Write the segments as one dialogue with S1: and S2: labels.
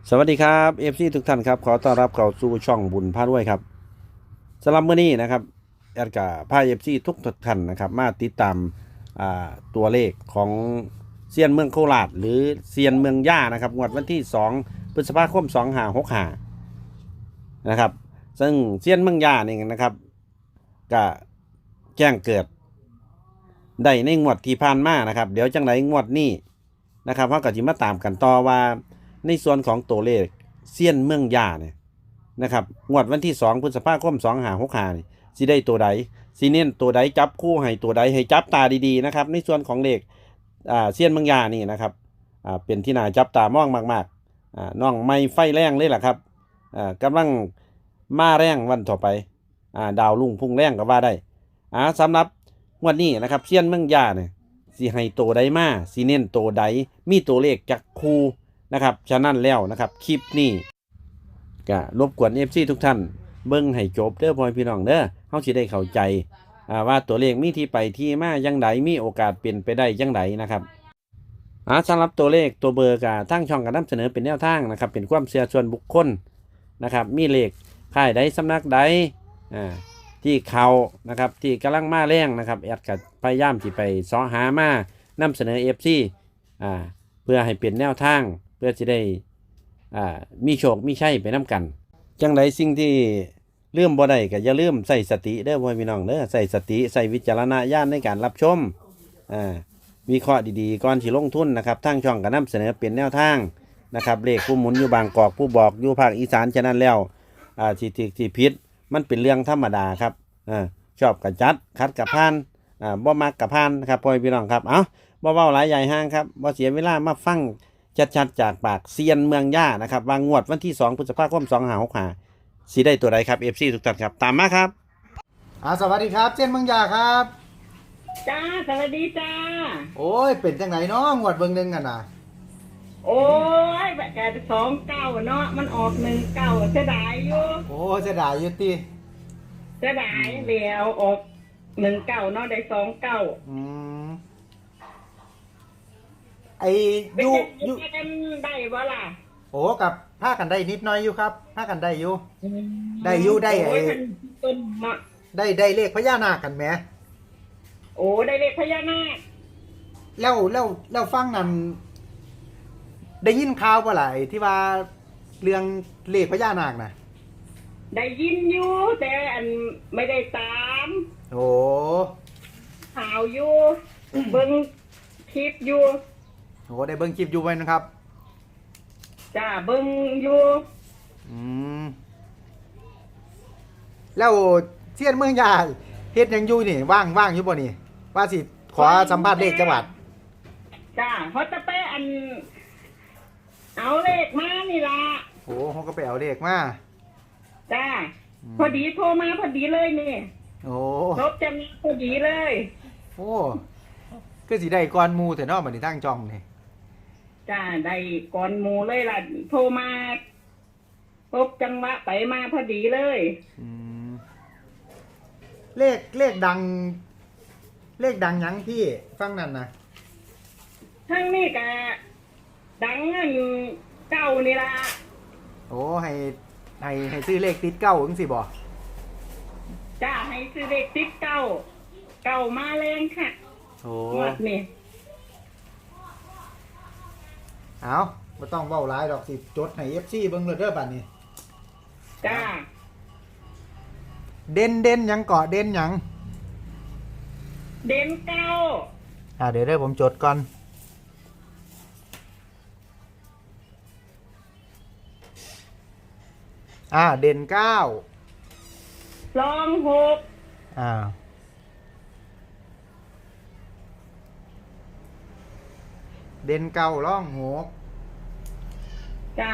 S1: สวัสดีครับFCทุกท่านครับขอต้อนรับเข้าสู่ช่องบุญพารวยครับสำหรับมื้อนี้นะครับแอดกาพา FC ทุกท่านนะครับมาติดตามตัวเลขของเซียนเมืองโคราชหรือเซียนเมืองย่านะครับงวดวันที่2พฤษภาคม2565นะครับซึ่งเซียนเมืองย่านี่นะครับก็แจ้งเกิดได้ในงวดที่ผ่านมานะครับเดี๋ยวจังไรงวดนี้นะครับเราก็จะมาตามกันต่อว่าในส่วนของตัวเลขเซียนเมืองย่าเนี่ยนะครับงวดวันที่2พฤษภาคม2565นี่สิได้ตัวใดสิเน้นตัวใดจับคู่ให้ตัวใดให้จับตาดีๆนะครับในส่วนของเลขเซียนเมืองย่านี่นะครับเป็นที่น่าจับตามองมากๆน้องไม่ไฟแรงเลยล่ะครับกำลังมาแรงวันต่อไปดาวรุ่งพุ่งแรงก็ว่าได้สำหรับงวดนี้นะครับเซียนเมืองย่าเนี่ยสิให้ตัวใดมาสิเน้นตัวใดมีตัวเลขจักคู่นะครับฉะนั้นแล้วนะครับคลิปนี้ก็รบกวน FC ทุกท่านเบิ่งให้จบเด้อพ่อพี่น้องเด้อเฮาสิได้เข้าใจว่าตัวเลขมีที่ไปที่มาจังไดมีโอกาสเป็นไปได้จังไดนะครับสำหรับตัวเลขตัวเบอร์ก็ทางช่องก็นำเสนอเป็นแนวทางนะครับเป็นความเชื่อส่วนบุคคลนะครับมีเลขค่ายใดสำนักใดที่เขานะครับที่กำลังมาแรงนะครับแอดก็พยายามที่ไปเสาะหามานำเสนอ FC เพื่อให้เป็นแนวทางเพื่อจะได้มีโชคมีชัยไปนํกันจังไดสิ่งที่ลืมบ่ได้ก็อย่าลืมใส่สติเด้อพ่อพี่น้องเด้อใส่สติใส่วิจารณญาณในการรับชมวิเคราะห์ดีๆก่อนสิลงทุนนะครับทางช่องก็นำเสนอเป็นแนวทางนะครับเลขผู้หมุนอยู่บางกอกผู้บอกอยู่ภาคอีสานฉะนั้นแล้วที่ผิดมันเป็นเรื่องธรรมดาครับชอบกับจัดคัดกับพานบ่มักกับพานนะครับพ่อพี่น้องครับบ่เว้าหลายใหญ่ห้างครับบ่เสียเวลามาฟังชัดๆจากปากเซียนเมืองย่านะครับวางงวดวันที่2พฤษภาคม2565สิได้ตัวใดครับ FC ทุกท่านครับตามมาครับ
S2: สวัสดีครับเจนเมืองยาครับ
S3: จ้าสวัสดีจ้า
S2: โอ้ยเป็นจังไหนเนาะงวดเบิ่งหนึงกันน่ะ
S3: โอ้ยแบบแก29เนาะมันออก19เสียดายอยู่
S2: โอ้เสียดายอยู่ติ
S3: เสียดายแล้วออก19เนาะได้29
S2: ไอ้
S3: อยู่กันได้บ่ล่ะ
S2: โอ้กับพากันได้นิดหน่อยอยู่ครับพากันได้อยู่ได้ไอ้
S3: ต้นเนาะ
S2: ได้เลขพญานาคกันแหม
S3: โอ้ได้เลขพญานาค
S2: แล้วฟังนั่นได้ยินข่าวบ่ล่ะไอ้ที่ว่าเรื่องเลขพญานาคน่ะ
S3: ได้ยินอยู่แต่อันไม่ได้ตาม
S2: โอ้
S3: ข่าวอยู่เบิ่งคลิปอยู่
S2: โหได้เบิ่งคลิปอยู่ไว้นะครับ
S3: จ้าเบิ่งอยู่
S2: แล้วเซียนเมืองยาเฮ็ดหยังอยู่นี่ว่างอยู่บ่นี่ว่าสิขอสัมภาษณ์เลขจังหวัด
S3: จ้าเขาจะไปอันเอาเลขมานี่ล่ะ
S2: โอ้เขาก็ไปเอาเลขมา
S3: จ้าพอดีโทรมาพอดีเลยนี่
S2: โอ้
S3: ครบจะมีพอดีเลย
S2: โอ้คือสิได้ก่อนหมู่แต่เนาะบัดนี้ทางจองนี่
S3: จ้าได้ก่อนหมู่เลยล่ะโทรมาครบจังหวะไปมาพอดีเลย
S2: เลขดังหยังพี่ฟังนั่นนะ
S3: ทั้งนี้กะดังอันเก้านี่ล่ะ
S2: โอ้ให้ซื้อเลขติดเก้าจังสิบ่
S3: จ้าให้ซื้อเลขติดเก้ามาแรงค่ะ
S2: โอ้
S3: นี่
S2: เอาบ่ต้องเว้าหลายดอกสิจดให้ FC เบิ่งเลยเด้อบัดนี้
S3: จ้า
S2: เด่นหยังเกาะเด่นหยัง
S3: เด่นเก้า
S2: เดี๋ยวผมจดก่อนเด่น9
S3: รอง6
S2: เด่น9รอง6
S3: จ้า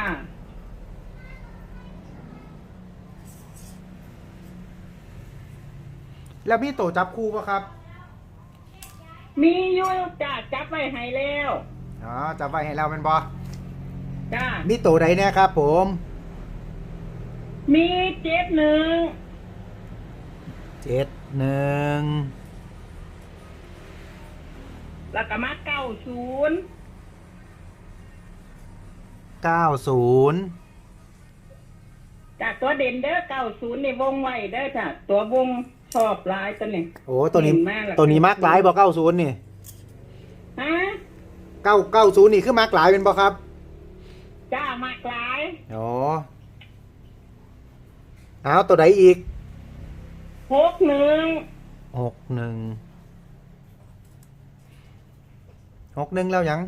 S2: แล้วมีโตจับคู่ป่ะครับ
S3: มีอยู่จ้าจับไว้ให้แล้ว
S2: จับไว้ให้เราเป็นบ่
S3: จ้า
S2: มีโตใดเนี่ยครับผม
S3: มี71แล้วก็มา90
S2: 90
S3: จากตัวเด่นเด้อ90นี่วงไว้เด้อจ้ะตัววงชอบหลายตัวนี้
S2: โอ้ตัวนี้
S3: เด่นมากเลย
S2: ตัวนี้มักหลายบ่90นี่
S3: ฮะ
S2: 990นี่คือมักหลายเป็นบ่ครับ
S3: จ้ามากหลาย
S2: อ๋อเอาตัวใดอีก
S3: 61
S2: 61แล้วยัง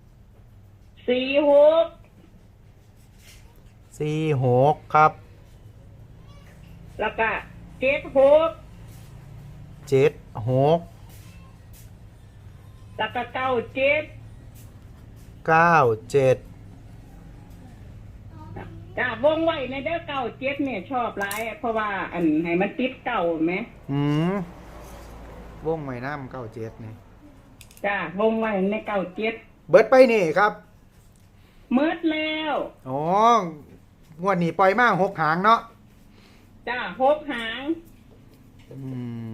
S3: 46
S2: 46ครับ
S3: แล้วก็76
S2: 76
S3: แล้วก็97
S2: 97
S3: จ้าวงไว้ในเด้อ97เนี่ยชอบหลายเพราะว่าอันให้มันติดเก่าไหม
S2: อืมวงไว้น้ำ97นี่
S3: จ้าวงไว้ใน97
S2: เบิดไปนี่ครับ
S3: มืดแล้ว
S2: อ๋องวดนี้ปล่อยมา6 หางเนาะ
S3: จ้า6 หาง
S2: อืม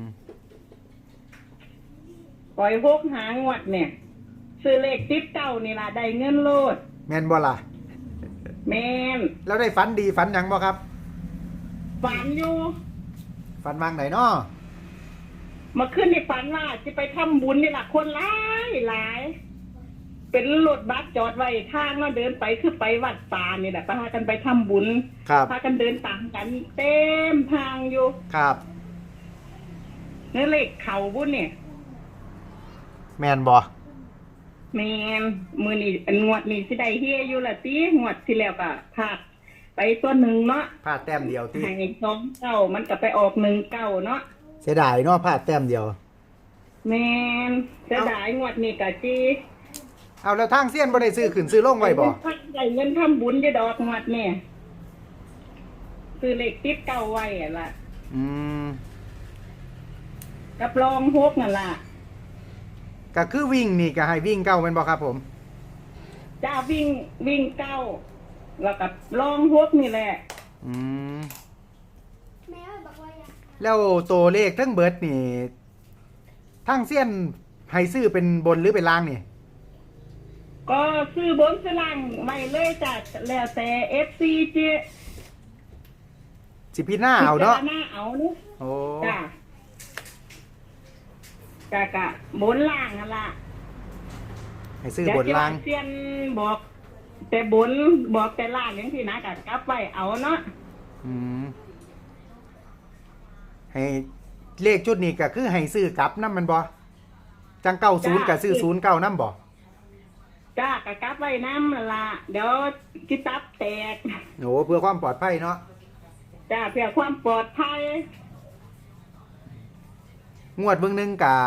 S3: ปล่อย6 หางงวดเนี่ยซื้อเลขติดเก่านี่ล่ะได้เงินโลด
S2: แม่นบ่ล่ะ
S3: แม่น
S2: แล้วได้ฝันดีฝันหยังบ่ครับ
S3: ฝันอยู่
S2: ฝันวางไหนเนาะ
S3: เมาขึ้นในฝันว่าจะไปทำบุญนี่ล่ะคนหลายหลาย เป็นรถบัสจอดไว้ทางแล้วเดินไปคือไปวัดป่านี่แหละพากันไปทำบุญ
S2: ครับ
S3: พากันเดินตามกันเต็มทางอยู่
S2: ครับ
S3: นี่เลขเขาบุญเนี่ย
S2: แม่นบ่
S3: แมนมือนี่งวดนี่สิได้เฮียอยู่ละตีงวดที่แล้วก็พลาดไปตัวหนึ่งเนาะ
S2: พลาดแต้มเดียวที่
S3: ให้29มันก็ไปออก19เนาะ
S2: เสียดายเนาะพลาดแต้มเดียว
S3: แมนจะได้งวดนี่ก็จี
S2: เอาแล้วทางเสี้ยนบ่ได้ซื้อขึ้นซื้อลงไว้บ่
S3: ได้เงินทำบุญจะดอกงวดเนี่ยคือเลขติดเก่าไว้อะล่ะ
S2: อืม
S3: กับรองฮกนั่นล่ะ
S2: ก็คือวิ่งนี่ก็ให้วิ่งเก้าแม่นบ่ครับผม
S3: จ้าวิ่งเก้าแล้วกับรองฮกนี่แหละ
S2: อืมแล้วตัวเลขทั้งเบิดนี่ทางเสี้ยนให้ซื้อเป็นบนหรือเป็นล่างนี่
S3: ก็ซื้อบนสลังไว้เลยจ้ะแล้วแต่ FC เจ
S2: สิพี่หน้าเอาเนาะ
S3: พิจรณเอาเนาะ
S2: โอ้
S3: จ้ะกะบนล่างนั่นล่ะ
S2: ให้ซื้อบนล่าง
S3: เดี๋ยวสิว่เซียนบอก แต่บนบอกแต่ล่างอย่างที่นะกะกลับไว้เอาเนาะ
S2: อืมให้เลขชุดนี้ก็คือให้ซื้อกลับนำมันบ่จัง90ก็ซื้อ09นำบ่
S3: จ้ากะกลับไว้น้ำนั่นล่ะเดี๋ยวจิตับแตก
S2: โอ้เพื่อความปลอดภัยเนาะ
S3: จ้าเพื่อความปลอดภัย
S2: งวดเบิ่งหนึงกะ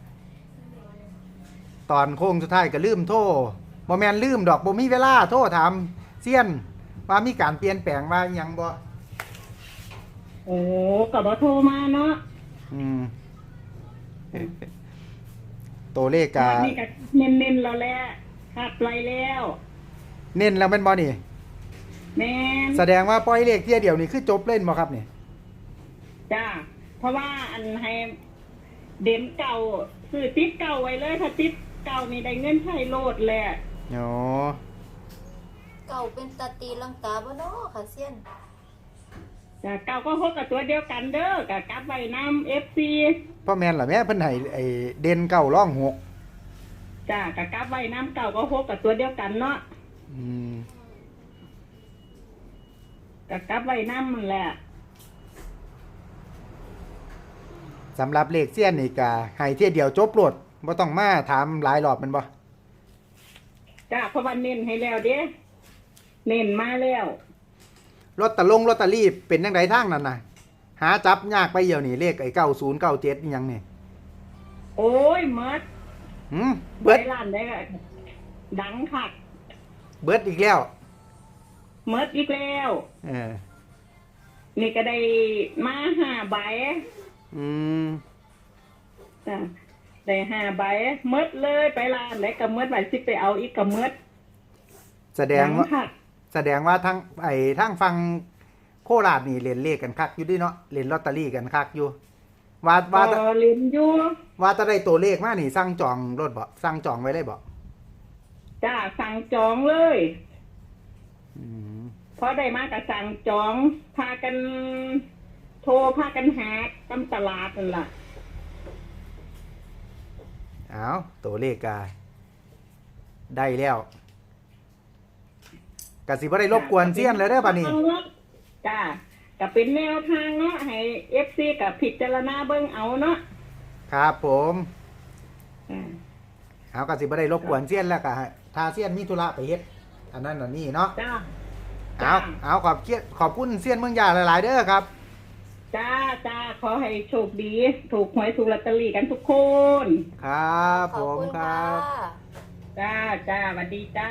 S2: ตอนโค้งสุดท้ายก็ลืมโทรบ่แม่นลืมดอกบ่มีเวลาโทรถามเซียนว่ามีการเปลี่ยนแปลงว่าอิหยังบ่
S3: โอ้ก็บ่โทรมาเนาะ
S2: อืม ตัวเลขกะ
S3: วันนี้ก็เน้นๆแล้วแหละขัดไว้แล้ว
S2: เน้นแล้วแม่นบ่นี่
S3: แม่น
S2: แสดงว่าปล่อยเลขเที่ยเดียวนี่คือจบเล่นบ่ครับนี่
S3: จ้าเพราะว่าอันให้เด่นเก่าซื้อติดเก่าไว้เลยถ้าติดเก่านี่ได้เงินใช้โลดแหละ
S2: อ๋อ
S4: เก่าเป็นตาตีลังกาบ่เนาะค่ะเซียน
S3: จ้าเก่าก็พบกับตัวเดียวกันเด้อกับกลับไว้น้ำ FC
S2: พ่อแม่นล่ะแม่เพิ่นให้ไอ้เด่นเก้าร่องหก
S3: จ้ากับกลับไว้น้ำเก่าก็พบกับตัวเดียวกันเนาะ
S2: อืม
S3: กับกลับไว้น้ำนั่นแหละ
S2: สำหรับเลขเสี้ยนนี่ก็ให้เที่ยเดียวจบโลดบ่ต้องมาถามหลายรอบแมันบ่
S3: จ้าเพราะว่าเน้นให้แล้วเด้เน้นมาแล้ว
S2: ลอตเตอรี่เป็นจังไดทางนั้นน่ะ หาจับยากไปเดียวนี่เลขไอ้9097อีหยังนี่
S3: โอ้ยเมิด
S2: หืม
S3: ไป
S2: เบิด
S3: ร้านได้ก็ดังคัก
S2: เบิดอีกแล้ว
S3: เมิดอีกแล้ว
S2: เออ
S3: นี่ก็ได้มา5 ใบ
S2: อืม
S3: จ้ะได้5 ใบเมิดเลยไปร้านได้ก็เมิดไว้สิไปเอาอีกก็เมิด
S2: แสดงว่า
S3: คัก
S2: แสดงว่าทางฟังโคราชนี่เล่นเลขกันคักอยู่ดิเนาะเล่นลอตเตอรี่กันคักอยู่ว่า
S3: ก็เล่นอยู่
S2: ว่าจะได้ตัวเลขมานี่สั่งจองรถบ่สั่งจองไว้เลยบ่
S3: จ้าสั่งจองเลย
S2: อ
S1: อืม
S3: พอได้มากระสั่งจองพากันโทรพากันหาตามตลาดนั่นล่ะ
S2: เอาตัวเลขกาได้แล้วกสิบ่ได้รบกวนเซียนเลยเด้อบัดนี้
S3: จ้าก็เป็นแนวทางเนาะให้เอฟซีกับพิจารณาเบิ่งเอาเนาะ
S2: ครับผม
S3: อ่า
S2: เอากสิบ่ได้รบกวนเซียนแล้วก็ถ้าเซียนมีธุระไปเฮ็ดอันนั้นอันนี้เนาะ
S3: จ้า
S2: เอาขอบคุณเซียนเมืองยาหลายๆเด้อครับ
S3: จ้าขอให้โชคดี ถูกหวยถูกลอตเตอรี่กันทุกคน
S2: ครับ
S4: ข
S2: ผ
S4: อบ
S2: ม
S4: คุณ
S2: ค
S4: ค่ะ
S2: รับ
S3: จ้าสวัสดีจ้า